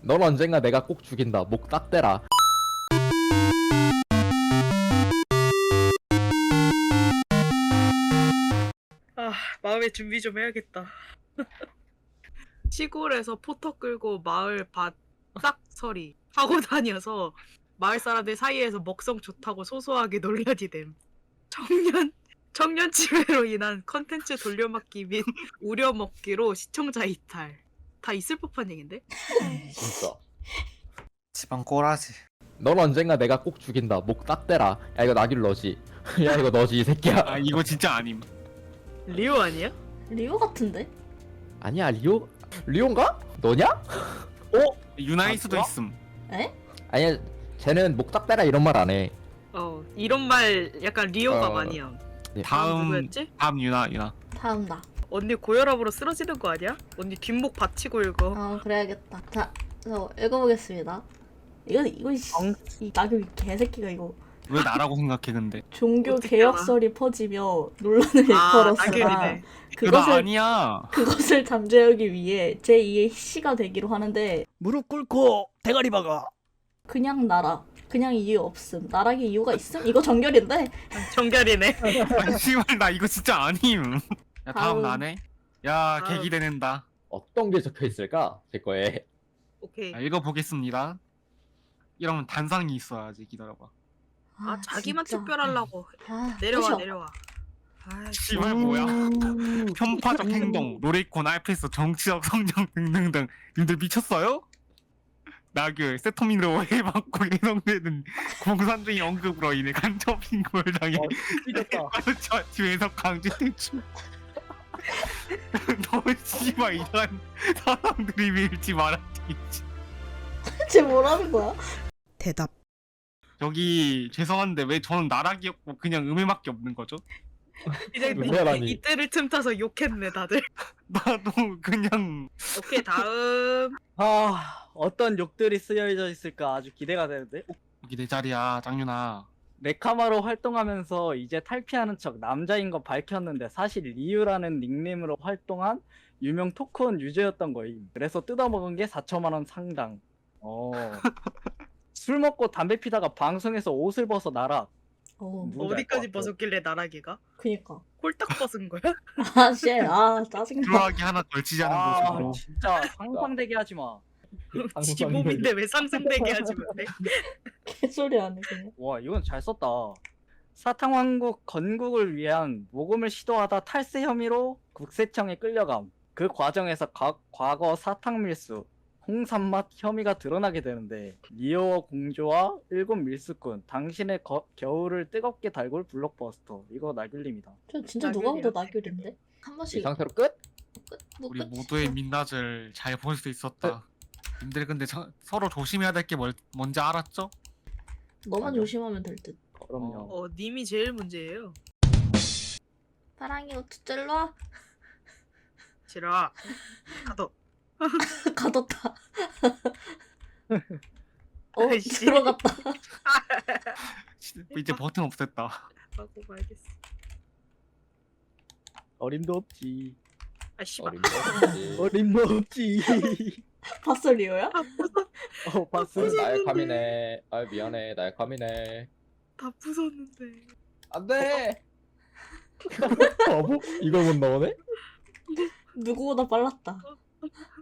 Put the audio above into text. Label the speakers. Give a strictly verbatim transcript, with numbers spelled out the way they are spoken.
Speaker 1: 넌 언젠가 내가 꼭 죽인다. 목 딱 떼라.
Speaker 2: 아, 마음의 준비 좀 해야겠다. 시골에서 포터 끌고 마을 밭 싹서리 하고 다녀서 마을 사람들 사이에서 먹성 좋다고 소소하게 논란이 됨. 청년 청년 치매로 인한 컨텐츠 돌려막기 및 우려먹기로 시청자 이탈. 다 있을 법한 얘긴데?
Speaker 1: 진짜.
Speaker 3: 지방 꼬라지.
Speaker 1: 넌 언젠가 내가 꼭 죽인다. 목 딱 떼라. 야 이거 나길 너지. 야 이거 너지 이 새끼야.
Speaker 3: 아 이거 진짜 아님.
Speaker 2: 리오 아니야?
Speaker 4: 리오 같은데?
Speaker 1: 아니야 리오? 리오인가? 너냐?
Speaker 3: 유나일
Speaker 1: 아,
Speaker 3: 수도
Speaker 1: 뭐야?
Speaker 3: 있음.
Speaker 4: 에?
Speaker 1: 아니야 쟤는 목 딱 떼라 이런 말 안 해.
Speaker 2: 어, 이런 말 약간 리오가
Speaker 1: 어.
Speaker 2: 많이 함. 다음
Speaker 3: 다음
Speaker 2: 누구였지?
Speaker 3: 다음 유나 유나.
Speaker 4: 다음 나.
Speaker 2: 언니 고혈압으로 쓰러지는 거 아니야? 언니 뒷목 받치고 읽어.
Speaker 4: 아 그래야겠다. 자, 저 읽어보겠습니다. 이건 이건 씨, 이 나그 개새끼가 이거
Speaker 3: 왜 나라고 생각해 근데?
Speaker 4: 종교
Speaker 2: 어떻게
Speaker 4: 개혁설이 퍼지며 논란을
Speaker 2: 아,
Speaker 4: 일컬었으나
Speaker 2: 낙엽이네.
Speaker 3: 그거
Speaker 4: 그것을
Speaker 3: 아니야.
Speaker 4: 그것을 잠재우기 위해 제이의 시가 되기로 하는데
Speaker 5: 무릎 꿇고 대가리 박아.
Speaker 4: 그냥 나라. 그냥 이유 없음. 나락의 이유가 있음? 이거 정결인데?
Speaker 2: 정결이네.
Speaker 3: 아니 씨발 나 이거 진짜 아님. 야 다음
Speaker 4: 다음.
Speaker 3: 나네. 야
Speaker 2: 다음.
Speaker 3: 계기되는다.
Speaker 1: 어떤 게 적혀 있을까? 제 거에.
Speaker 2: 오케이.
Speaker 3: 자, 읽어보겠습니다. 이러면 단상이 있어야지. 기다려봐.
Speaker 2: 아, 자기만
Speaker 4: 진짜.
Speaker 2: 특별하려고.
Speaker 4: 아,
Speaker 2: 내려와,
Speaker 4: 끝이야.
Speaker 2: 내려와. 아,
Speaker 3: 씨발 뭐야? 편파적 행동, 로레이콘, 알프스, 정치적 성장 등등등. 님들 미쳤어요? 나그 세토민으로 오해받고 예상되는 공산주의 언급으로 인해 간접 신고를 당해
Speaker 5: 미쳤다.
Speaker 3: 저 뒤에서 강제 퇴출. 너 씨발 이런 사람들이 밀지 말았지.
Speaker 4: 쟤 뭐라는 거야?
Speaker 5: 대답.
Speaker 3: 저기 죄송한데 왜 저는 나락이 없고 그냥 음해밖에 없는 거죠?
Speaker 2: 이제
Speaker 1: 왜라니?
Speaker 2: 이때를 틈타서 욕했네 다들.
Speaker 3: 나도 그냥
Speaker 2: 오케이, 다음.
Speaker 5: 아 어떤 욕들이 쓰여져 있을까 아주 기대가 되는데.
Speaker 3: 여기 내 자리야 장윤아.
Speaker 5: 네카마로 활동하면서 이제 탈피하는 척 남자인 거 밝혔는데 사실 리유라는 닉네임으로 활동한 유명 토큰 유저였던 거임. 그래서 뜯어먹은 게 사천만 원 상당. 어. 술 먹고 담배 피다가 방송에서 옷을 벗어 나락.
Speaker 4: 어,
Speaker 5: 누군지
Speaker 2: 어디까지
Speaker 5: 알것 같아.
Speaker 2: 벗었길래 나락이가?
Speaker 4: 그니까.
Speaker 2: 홀딱 벗은 거야?
Speaker 4: 아, 씨, 아, 짜증나.
Speaker 3: 들어가기 하나 걸치지 않은
Speaker 5: 아
Speaker 3: 모습으로.
Speaker 5: 진짜 상상되게 하지 마.
Speaker 2: 지몸인데 왜 상상되게 하지 못해?
Speaker 4: 개소리 하네, 그냥.
Speaker 5: 와 이건 잘 썼다. 사탕왕국 건국을 위한 모금을 시도하다 탈세 혐의로 국세청에 끌려감. 그 과정에서 과, 과거 사탕 밀수, 홍삼맛 혐의가 드러나게 되는데 리오어 공주와 일곱 밀수꾼, 당신의 거, 겨울을 뜨겁게 달굴 블록버스터. 이거 나귤림이다.
Speaker 4: 저 진짜 누가 봐도
Speaker 2: 나귤이야.
Speaker 4: 나귤인데? 한
Speaker 1: 이
Speaker 4: 번씩
Speaker 1: 상태로 끝?
Speaker 4: 끝? 뭐
Speaker 3: 우리
Speaker 4: 끝?
Speaker 3: 모두의 민낯을 잘 볼 수 있었다. 님들 근데 저, 서로 조심해야 될 게 뭔지 알았죠?
Speaker 4: 너만
Speaker 5: 아니요.
Speaker 4: 조심하면 될 듯.
Speaker 5: 그럼요.
Speaker 2: 어, 님이 제일 문제예요.
Speaker 4: 사랑이 어쩌 일로 와.
Speaker 2: 지라. 가도.
Speaker 4: 가뒀다. 어,
Speaker 2: 아이씨.
Speaker 4: 들어갔다.
Speaker 3: 이제 버튼 없앴다.
Speaker 2: 하고 말겠어.
Speaker 5: 어림도 없지.
Speaker 2: 아, 씨발.
Speaker 1: 어림도 없지.
Speaker 5: 어림도 없지.
Speaker 4: 봤어, 리오야?
Speaker 5: 어 봤어.
Speaker 1: 나의 감이네. 아 미안해. 나의 감이네.
Speaker 2: 다 부쉈는데.
Speaker 1: 안돼. 바보? 이걸 못 넣어네?
Speaker 4: 누구보다 빨랐다.